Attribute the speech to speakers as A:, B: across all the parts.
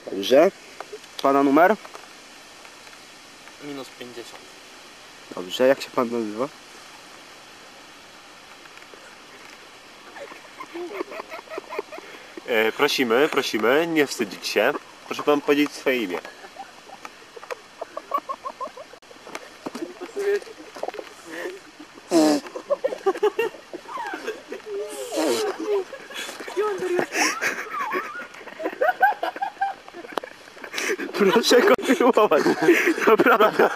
A: Dobrze. Pana numer?
B: Minus 50.
A: Dobrze, jak się pan nazywa?
C: Prosimy, nie wstydzić się. Proszę pan powiedzieć swoje imię.
A: Proszę kontynuować. Naprawdę.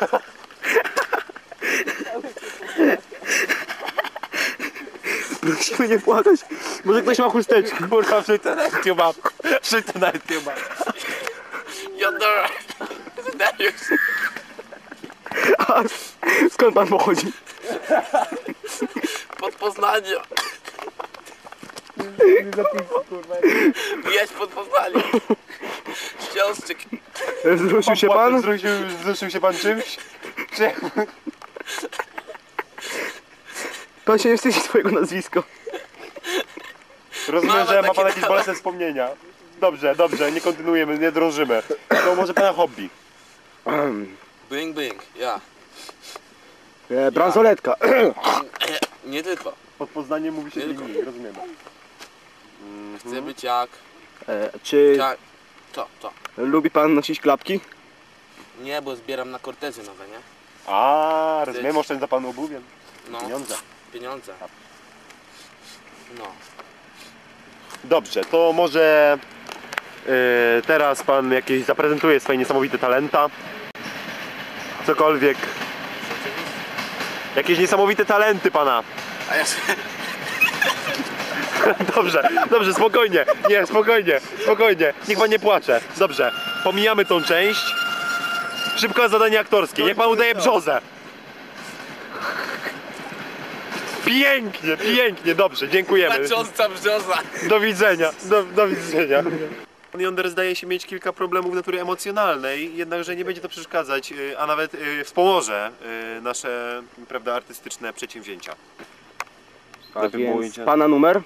A: Prosimy nie płakać. Może ktoś ma chusteczkę.
C: Kurwa, wrzuć to na YouTube. Wrzuć to na YouTube.
B: Jodor! Dariusz!
A: A skąd pan pochodzi?
B: Pod Poznaniem! Wjeźdź pod Poznaniem! Śląszczyk!
A: Wzruszył się pan?
C: Wzruszył się pan czymś? Czy...
A: Pan się nie wstydzi swojego nazwiska.
C: Rozumiem,
B: Mama
C: że ma
B: takie
C: pan jakieś
B: dała.
C: bolesne wspomnienia. Dobrze, nie kontynuujemy, nie drążymy. To może pana hobby.
B: Bing, bing, ja.
A: Bransoletka.
B: Nie tylko.
C: Pod Poznaniem mówi się
B: Tylko.
C: linii, rozumiemy.
B: Chcę być jak...
A: Czy
B: jak... To.
A: lubi pan nosić klapki?
B: Nie, bo zbieram na kortezy nowe, nie?
C: A, rozumiem, oszczędza pan obuwiem.
B: No.
C: Pieniądze.
B: Pieniądze. No.
C: Dobrze, to może teraz pan jakieś zaprezentuje swoje niesamowite talenta. Cokolwiek. Jakieś niesamowite talenty pana.
B: A ja
C: Dobrze, spokojnie. Nie, spokojnie. Niech pan nie płacze. Dobrze, pomijamy tą część. Szybko zadanie aktorskie. Niech pan udaje brzozę. Pięknie, dobrze, dziękujemy.
B: Patrząca brzoza!
C: Do widzenia, do widzenia. Pan Yonder zdaje się mieć kilka problemów natury emocjonalnej, jednakże nie będzie to przeszkadzać, a nawet wspomoże nasze, prawda, artystyczne przedsięwzięcia.
A: A więc pana numer?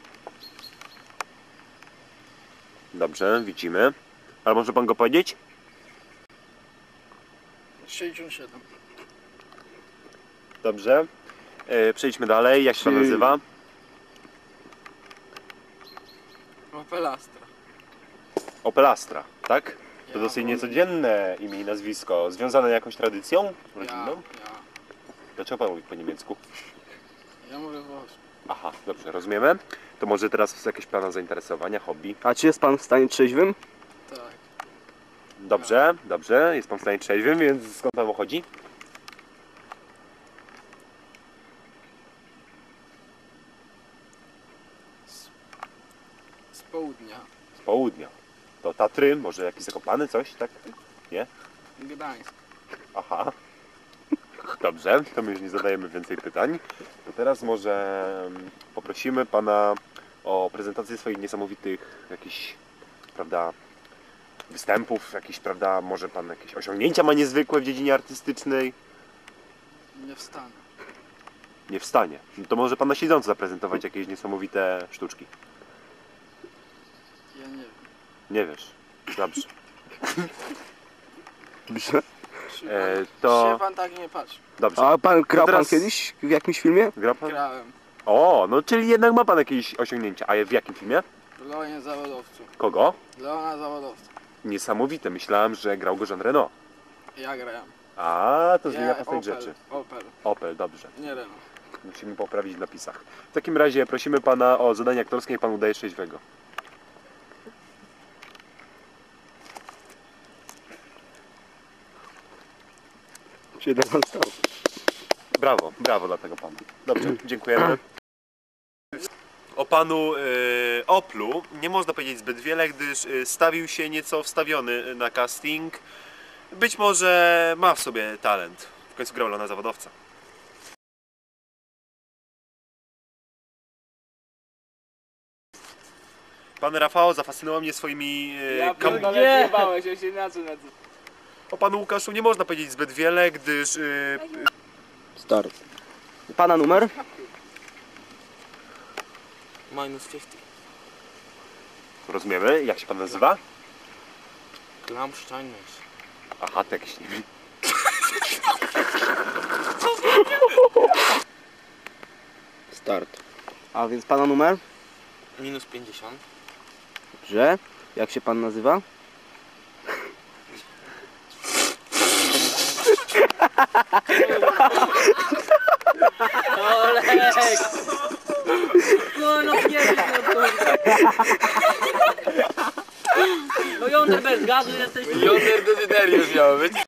C: Dobrze, widzimy. Ale może pan go powiedzieć?
B: 67.
C: Dobrze. Przejdźmy dalej. Jak się pan nazywa?
B: Opel Astra.
C: Opel Astra, tak? To
B: Ja,
C: dosyć
B: bo-
C: niecodzienne imię i nazwisko. Związane jakąś tradycją
B: Ja,
C: rodzinną? Dlaczego pan mówi po niemiecku?
B: ja mówię włosko.
C: Aha, dobrze, rozumiemy. To może teraz jakieś plany zainteresowania, hobby?
A: A czy jest pan w stanie trzeźwym?
B: Tak.
C: Dobrze, jest pan w stanie trzeźwym, więc skąd pan pochodzi?
B: Z południa.
C: Z południa. To Tatry, może jakiś Zakopany, coś, tak? Nie?
B: Gdańsk.
C: Aha. Dobrze, to my już nie zadajemy więcej pytań. To teraz może poprosimy pana o prezentację swoich niesamowitych jakichś, prawda, występów, jakichś, prawda, może pan jakieś osiągnięcia ma niezwykłe w dziedzinie artystycznej.
B: Nie wstanę.
C: Nie wstanie. No to może pan na siedząco zaprezentować jakieś niesamowite sztuczki.
B: Ja nie wiem.
C: Nie wiesz. Dobrze.
A: Dobrze.
C: To-
B: Się pan tak nie patrzy.
C: Dobrze.
A: A pan grał
C: teraz-
A: pan kiedyś w jakimś filmie?
C: Gra pan?
B: Grałem
C: O, no czyli jednak ma pan jakieś osiągnięcia. A w jakim filmie?
B: w Leonie Zawodowcu.
C: Kogo?
B: Leona Zawodowca.
C: Niesamowite. Myślałem, że grał go Jean Reno.
B: Ja grałem.
C: A, to zmienia postać
B: Opel.
C: rzeczy.
B: Opel.
C: Opel, dobrze.
B: Nie Renault.
C: Musimy poprawić w napisach. W takim razie prosimy pana o zadanie aktorskie i pan udaje trzeźwego.
A: Czy jednak pan stał?
C: Brawo dla tego pana. Dobrze, dziękujemy. O panu Oplu nie można powiedzieć zbyt wiele, gdyż stawił się nieco wstawiony na casting. Być może ma w sobie talent. W końcu grał na zawodowca. Pan Rafał zafascynował mnie swoimi
B: Nie bałeś, ja się inaczej nazywa.
C: O panu Łukaszu nie można powiedzieć zbyt wiele, gdyż
A: Stary. Pana numer?
B: Minus 50.
C: rozumiemy, jak się pan nazywa?
B: Klamszczajność.
C: Aha, to jakiś nie wiem.
A: Start. A więc pana numer?
B: Minus 50.
A: Dobrze. Jak się pan nazywa?
D: Olek! No nie wiem, no Yonder bez gazu jesteś.
B: Yonder Desiderius miał być.